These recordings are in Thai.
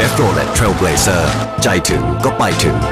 Chevrolet Trailblazer ใจถึงก็ไปถึง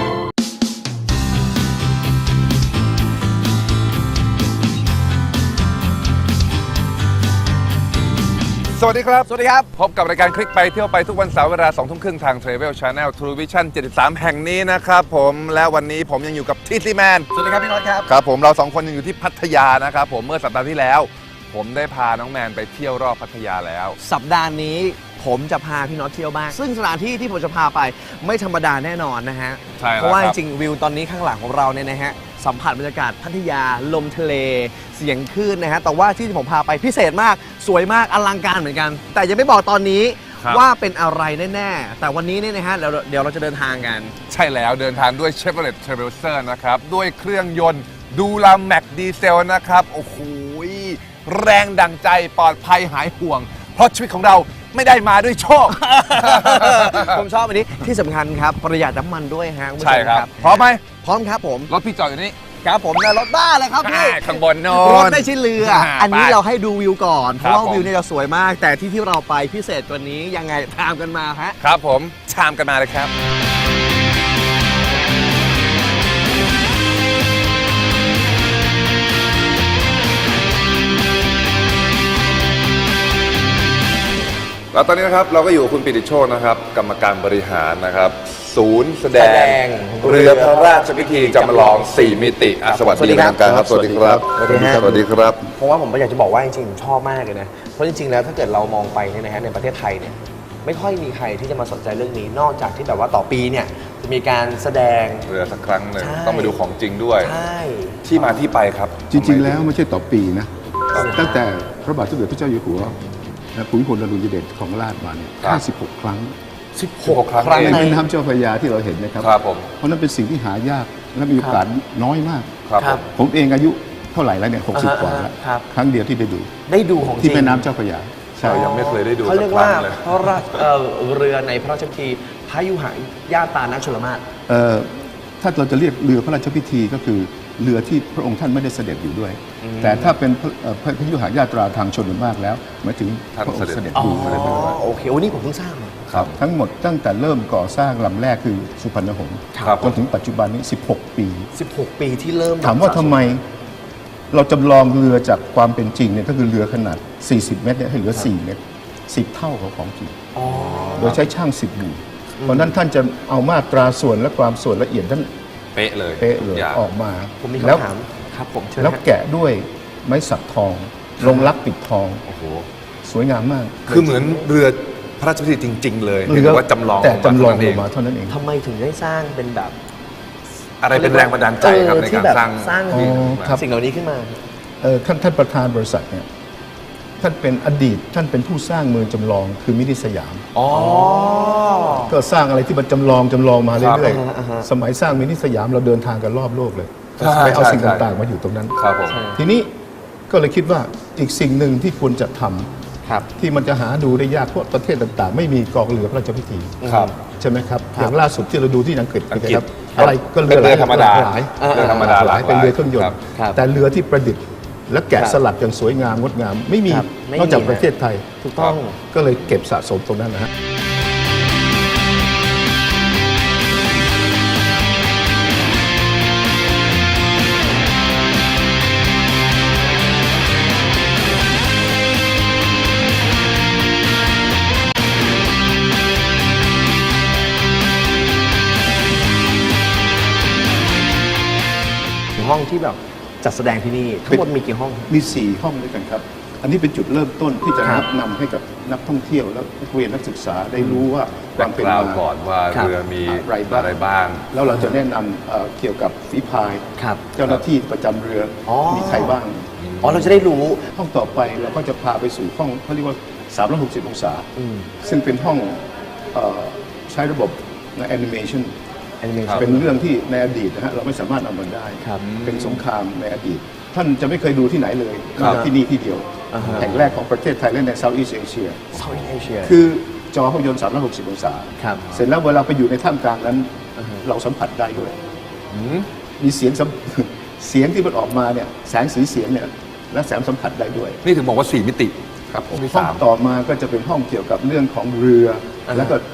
สวัสดีครับ พบกับรายการคลิกไปเที่ยวไปทุกวันเสาร์เวลา 2 ทุ่มครึ่งทาง Travel Channel True Vision 73 แห่งนี้นะครับผมและวันนี้ผมยังอยู่กับทีแมนสวัสดีครับพี่น็อตครับครับผมเรา2 คนยังอยู่ที่พัทยานะครับผมเมื่อสัปดาห์ที่แล้ว ผมได้พาน้องแมนไปเที่ยวรอบพัทยาแล้วสัปดาห์นี้ผมจะพาพี่น็อตเที่ยวบ้างซึ่งสถานที่ที่ผมจะพาไปไม่ธรรมดาแน่นอนนะฮะใช่แล้วเพราะว่าคจรับริงๆวิวตอนนี้ข้างหลังของเราเนี่ยนะฮะสัมผัสบรรยากาศพัทยาลมทะเล เสียงคลื่นนะฮะแต่ว่าที่ผมพาไปพิเศษมากสวยมากอลังการเหมือนกัน แต่ยังไม่บอกตอนนี้ว่าเป็นอะไรแน่ๆแต่วันนี้เนี่ยนะฮะเดี๋ยวเราจะเดินทางกันใช่แล้วเดินทางด้วย Chevrolet Trailblazer นะครับด้วยเครื่องยนต์ดูลาแม็กดีเซลนะครับโอ้โหแรงดังใจปลอดภัยหายห่วง เพราะชีวิตของเราไม่ได้มาด้วยโชคผมชอบอันนี้ที่สำคัญครับประหยัดน้ำมันด้วยฮะคุณผู้ชใช่มครับพร้อมไหมพร้อมครับผมรถพี่จอดอยู่นี่ครับผมในรถบ้าเลยครับพี่ข้างบนโน่รถนไม่ใช่เรือ อันนี้เราให้ดูวิวก่อน เพครับราะว่าผมวิวเนี่ยจะสวยมาก แต่ที่เราไปพิเศษกว่านี้ยังไงตามกันมาฮะครับผมชามกันมาเลยครับแล้วตอนนี้นะครับเราก็อยู่กับคุณปิติโชคนะครับกรรมการบริหารนะครับศูนย์แสดงเรือพระราชพิธีจำลอง 4 มิติสวัสดีครับสวัสดีครับสวัสดีครับสวัสดีครับเพราะว่าผมอยากจะบอกว่าจริงๆผมชอบมากเลยนะ เพราะจริงๆแล้วถ้าเกิดเรามองไปเนี่ยนะฮะในประเทศไทยเนี่ยไม่ค่อยมีใครที่จะมาสนใจเรื่องนี้นอกจากที่แบบว่าต่อปีเนี่ยจะมีการแสดงเรือสักครั้งหนึ่งใช่ต้องไปดูของจริงด้วยใช่ที่มาที่ไปครับจริง ๆ แล้วไม่ใช่ต่อปีนะ ตั้งแต่พระบาทสมเด็จพระเจ้าอยู่หัวและภูมิพลอดุลยเดชของราชมาเนี่ย 56 ครั้ง 16 ครั้งในเองแม่น้ำเจ้าพระยาที่เราเห็นนะครับครับผมเพราะนั้นเป็นสิ่งที่หายากและมีโอกาสน้อยมากครับผมผมเองอายุเท่าไหร่แล้วเนี่ย 60 กว่าแล้วครับครั้งเดียวที่ได้ดูได้ดูของจที่ริงแม่น้ำเจ้าพระยา ใช่เรายังไม่เคยได้ดูเขาสัเรียกกครั้ว่างเลยพระราชเรือในพระราชพิธีพระยุหญาตานาชลมาศถ้าเราจะเรียกเรือพระราชพิธีก็คือเรือที่พระองค์ท่านไม่ได้เสด็จอยู่ด้วย แต่ถ้าเป็นพระยุหญาตราทางชนมากแล้วหมายถึงพระองค์เสด็จอ๋อดูอะไรไปด้วยโอเควันนี้ผมเพิ่งทราบมาครับทั้งหมดตั้งแต่เริ่มก่อสร้างลำแรกคือสุพรรณหงษ์ครับจนถึงปัจจุบันนี้ 16 ปี 16 ปีที่เริ่มถามว่าทำไมเราจำลองเรือจากความเป็นจริงเนี่ยก็คือเรือขนาด 40 เมตรเนี่ยให้เหลือ 4 เมตร 10 เท่าของจริงอ๋อโดยใช้ช่าง10บูเพราะนั้นท่านจะเอามาตราส่วนและความส่วนละเอียดท่านเป๊ะเลยเป๊ะเลยทุกางออกมาผมมีแล้วคำถามครับผมเชิญแล้วฮะแกะด้วยไม้สักทอง ลงลักปิดทองโอ้โหสวยงามมากคือเหมือนเรือพระราชพิธีจริง ๆ เลยเพียงแต่ว่าจำลองแต่จำลองเท่าลนั้นงมาเท่านั้นเองทำไมถึงได้สร้างเป็นแบบอะไรเป็นแรงบันดาลใจครับในที่การแบบสร้างสร้างอ๋อครับสิ่งเหล่านี้ขึ้นมาท่านประธานบริษัทเนี่ยท่านเป็นอดีตท่านเป็นผู้สร้างเมืองจำลองคือมินิสยามอ๋อก็สร้างอะไรที่มันจำลองมาครับเรื่อยอ่าฮะๆสมัยสร้างมินิสยามเราเดินทางกันรอบโลกเลยใช่ไปเอาใช่สิ่งใช่ต่างๆมาอยู่ตรงนั้นครับผมทีนี้ก็เลยคิดว่าอีกสิ่งหนึ่งที่ควรจะทำครับที่มันจะหาดูได้ยากเพราะประเทศต่างๆ ไม่มีกองเรือพระราชพิธีครับใช่ไหมครับครับอย่างล่าสุดที่เราดูที่อังกฤษอังกฤษนะครับอะไรก็เป็นเรือธรรมดาหลายเรือธรรมดาหลายเป็นเรือเครื่องยนคต์ครับแต่เรือที่ประดิษฐ์ และแกะครับสลักอย่างสวยงามงดงาม ไม่มีครับไม่มีนอกจากฮะประเทศไทยถูกต้องก็เลยเก็บสะสมตรงนั้นนะฮะห้องที่แบบจัดแสดงที่นี่ทั้งหมดมีกี่ห้องมี 4 ห้องด้วยกันครับ อันนี้เป็นจุดเริ่มต้นที่จะครับนำให้กับนักท่องเที่ยวและนักเรียนนักศึกษาได้รู้ว่าความเป็นแบ็คกราวมาด์ก่อนว่าครับเรือมีอะไรบ้าง แล้วเราจะแนะนำเกี่ยวกับฝีพายครับเจ้าหน้าที่ประจำเรือออมีใครบ้างอ๋อเราจะได้รู้ห้องต่อไปเราก็จะพาไปสู่ห้องเขาเรียกว่า 360 องศาอืมซึ่งเป็นห้องใช้ระบบแอนิเมชันแอนิเมชันเป็นเรื่องที่ในอดีตนะฮะเราไม่สามารถเอามันได้ครับเป็นสงครามในอดีต ท่านจะไม่เคยดูที่ไหนเลยครับที่นี่ที่เดียวอ่าฮะแห่งแรกของประเทศไทยและในเซาท์อีสเอเชียเซาท์อีสเอเชียคือจอภาพยนตร์ 360 องศาครับเสร็จแล้วเวลาไปอยู่ในท่ามกลางนั้นอ่าฮะเราสัมผัสได้ด้วยอืมมีเสียงเสียงที่มันออกมาเนี่ยแสงสีเสียงเนี่ยและแสงสัมผัสได้ด้วยนี่ถึงบอกว่า 4 มิติครับผมมีห้อง 3 ต่อมาก็จะเป็นห้องเกี่ยวกับเรื่องของเรืออ่าฮะแล้วก็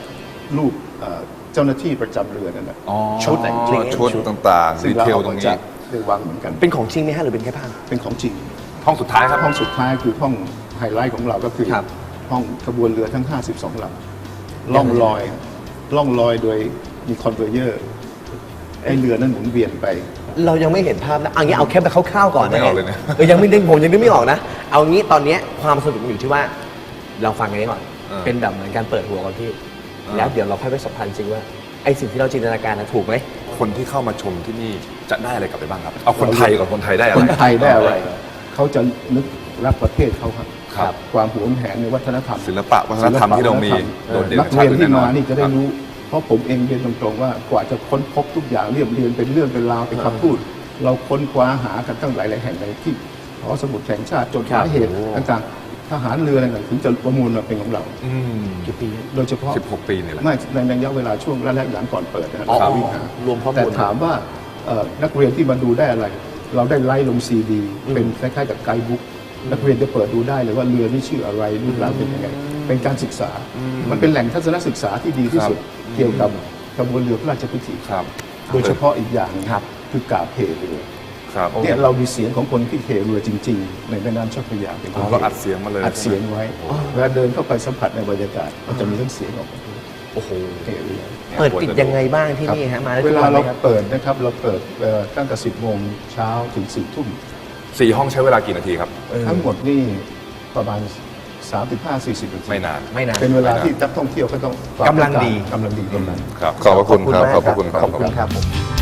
รูปเจ้าหน้าที่ประจำเรือนั่นแหละอ๋อชุดแต่งจริงชุดต่างๆซึ่ดีงเราเทลเอาตรมางนี้จากเรือวังเหมือนกันเป็นของจริงไหมฮะหรือเป็นแค่ภาพเป็นของจริงห้องสุดท้ายครับห้องสุดท้ายคือห้องไฮไลท์ของเราก็คือครับห้องขบวนเรือทั้ง 52 ลำล่องลอยโดยมีคอนเวอร์เยอร์ให้เรือนั้นหมุนเวียนไปเรายังไม่เห็นภาพนะเอางี้เอาแค่แบบคร่าวๆก่อนนะไม่ออกเลยนะยังไม่ดึงผมยังนึกไม่ออกนะ เอางี้ตอนเนี้ยความสนุกมันอยู่ที่ว่าเราฟังกันนี้ก่อน เป็นแบบเหมือนการเปิดหัวก่อนพี่ แล้วเดี๋ยวเราค่อยไปสัมพันธ์จริงว่าไอ้สิ่งที่เราจินตนาการนะถูกไหมคนที่เข้ามาชมที่นี่จะได้อะไรกลับไปบ้างครับ เอาคนไทยก่อนคนไทยได้อะไรคนไทยได้อะไร เขาจะนึกรักประเทศเขาครับครับความหวงแหนในวัฒนธรรมศิลปะวัฒนธรรมที่เรามีโดดเด่นนักเรียนที่มานี่จะได้ครับรู้ เพราะผมเองเรียนตรงๆว่ากว่าจะค้นพบทุกอย่างเรียบเรียงเป็นเรื่องเป็นราวเป็นคำพูด เราค้นคว้าหากันตั้งหลายๆแห่งในที่หอสมุดแห่งชาติจดหมายเหตุต่างๆทหารเรืออะไรต่างๆถึงจะประมูลมาเป็นของเราอืมกี่ปีโดยเฉพาะ 16 ปีนี่แหละไม่ในระยะเวลาช่วงแรกๆหลังก่อนเปิดนะครับอ๋อเราวิ่งหารวมข้อมูลแต่ถามว่านักเรียนที่มาดูได้อะไร เราได้ไล่ลงซีดี เป็นคล้ายๆกับไกด์บุ๊กนักเรียนจะเปิดดูได้เลยว่าเรือนี่ชื่ออะไรรูปร่างเป็นยังไงเป็นการศึกษา มันเป็นแหล่งทัศนศึกษาที่ดีที่สุด เกี่ยวกับกระบวนเรือพระราชพิธีครับโดยเฉพาะอีกอย่างหนึ่งครับคือกาบเพเรือครับเนี่ยเรามีเสียงของคนที่เทเรือจริง ๆ ในแม่น้ำเจ้าพระยาเป็นคนเราอัดเสียงมาเลยอัดเสียงไว้เวลาเดินเข้าไปสัมผัสในบรรยากาศมันจะมีทั้งเสียงออกมาโอ้โหเทเรือเปิดปิดยังไงบ้างที่นี่ฮะมาได้เวทุกลาวันไหมเราครับเปิดนะครับเราเปิดตั้งแต่ 10 โมงเช้าถึง 4 ทุ่ม 4 ห้องใช้เวลากี่นาทีครับทั้งหมดนี่ประมาณ 35-40 นาทีไม่นานไม่นานเป็นเวลาที่นักท่องเที่ยวก็ต้องกำลังดีกำลังดีกำลังครับ ขอบพระคุณครับ ขอบพระคุณครับขอบคุณครับผม